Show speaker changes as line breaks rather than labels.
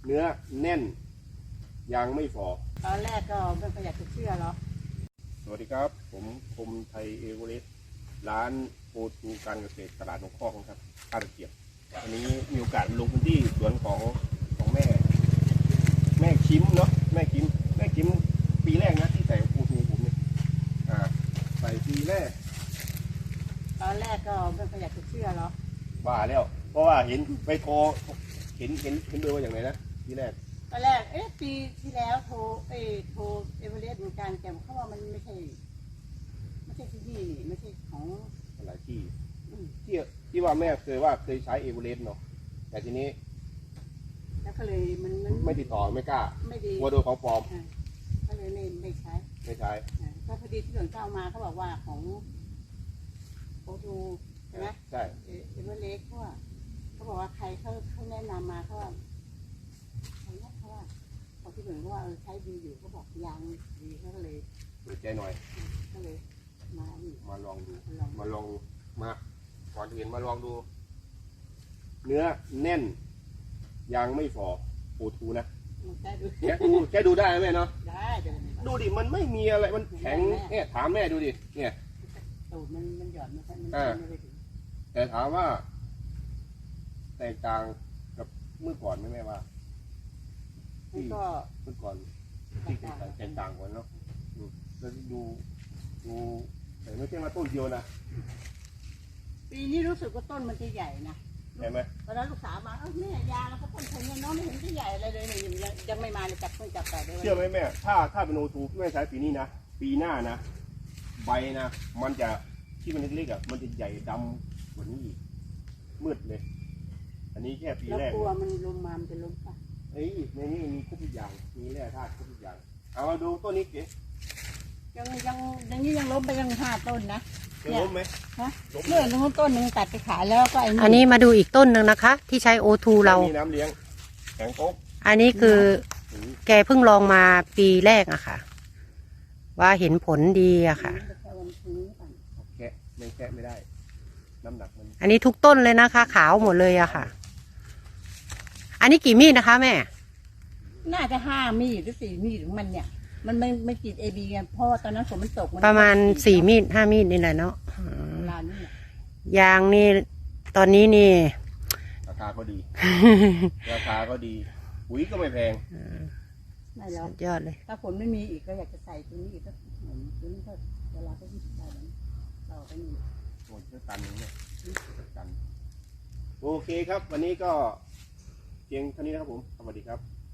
เนื้อแน่นยางไม่ฝ่อ
ตอนแรกก็ไม่ค่อยอยากจะเชื่อหรอก
สวัสดีครับผมคมไทยเอเวอเรสต์ร้านโอทูการเกษตรตลาดนกคอกนะครับท่าตะเกียบวันนี้มีโอกาสลงพื้นที่สวนของแม่คิมเนาะแม่คิมปีแรกนะที่ใส่โอทูผมเนี่ยใส่ปีแรก
ตอนแรกก็ไม่ค่อยอยากจะเชื่อหรอก
บ้าแล้วเพราะว่าเห็นไปโทรเห็นเบอร์ว่าอย่างไรนะปีแรก
ตอนแรกปีที่แล้วโทรเอเวอเรสต์เหมือนกันแต่เขาว่ามันไม่ใช่ที่นี่นี่ไม่ใช่ของ
หลายที่ที่ว่าแม่เคยใช้เอเวอเรสต์เนาะแต่ทีนี้
แล้วก็เลยมัน
ไม่ติดต่อไม่กล้า
ไม่ดี
กลัวโดนของปลอม
ก็เลยไม่ใช้ก็พอดีที่หลวงเจ้ามาเขาบอกว่าของโอทูใช่ไหม
ใช่
เอเวอเรสต์เขาบอกว่าใครเขาแนะนำมาเขาว่าพอที่หลวงเขาว่าใช้ดีอยู่เขาบอกยางดีเขาก็เลย
เปิดใจหน่อย
ก็เลย
มาลองดูมาก่อนอื่นมาลองดูเนื้อแน่นยางไม่ฝ่อโอทูนะแค่ดูได้ไหมเนาะ
ได้
ดูดิมันไม่มีอะไรมันแข็งเนี่ยถามแม่ดูดิเนี่ย
ตูดมันหย่อนมันไม่ถึง
แต่ถามว่าแตกต่างกับเมื่อก่อนไหมแม่ว่าเมื่อก่อนที่แตกต่างกันเนาะแล้วดูแต่ไม่ใช่มาต้นเดียวนะ
ปีนี้รู้สึกว่าต้นมันจะใหญ่นะ
เห็นไหม
ตอนนั้นลูกสาวมาแม่ยาแล้วก็ต้นแค่นี้น้องไม่เห็นจะใหญ่อะไรเลยยังไม่มาเลยจับแต่ได้
เชื่อไหมแม่ถ้าเป็นโอทูแม่ใช้ปีนี้นะปีหน้านะใบนะมันจะที่มันเล็กๆอ่ะมันจะใหญ่ดำกว่านี้อีกมืดเลยอันนี้แค่ปีแรก
กลัวมันลมมามันจะล้มป่ะ
ในนี้มีครบทุกอย่างมีแร่ธาตุครบทุกอย่างเอามาดูต้นนี้เก๋
ยังนี้ยังล้มไปยัง5 ต้นนะ
ล้มไหม
ฮะเลื่อนตรงต้นนึงตัดไปขายแล้วก็
อันนี้มาดูอีกต้นหนึ่งนะคะที่ใช้โอทูเรา
มีน้ำเลี้ยงแข็งโต๊ะ
อันนี้คือแกเพิ่งลองมาปีแรกอะค่ะว่าเห็นผลดีอะค่ะ
แกะไม่ได้น้ำหนักมัน
อันนี้ทุกต้นเลยนะคะขาวหมดเลยอะค่ะอันนี้กี่มีดนะคะแม่
น่าจะ5 มีดหรือ4 มีดของมันเนี่ยมันไม่กินเอบีไงเพราะตอนนั้นฝนมันตก
ประมาณ4 มีด 5 มีดนี่แหละเนาะยางนี่ตอนนี้นี่
ราคาก็ดีปุ๋ยก็ไม่แพง
ไม่แล้ว
ยอดเลย
ถ้าฝนไม่มีอีกก็อยากจะใส่ตัวนี้อีกก็เหมือนตัวนี้ก็เวลาก็ยิ่งใส่ต่อไปนี่
โอ้ยก็ตันเนี่ยตันโอเคครับวันนี้ก็เพียงเท่านี้นะครับผมสวัสดีครับ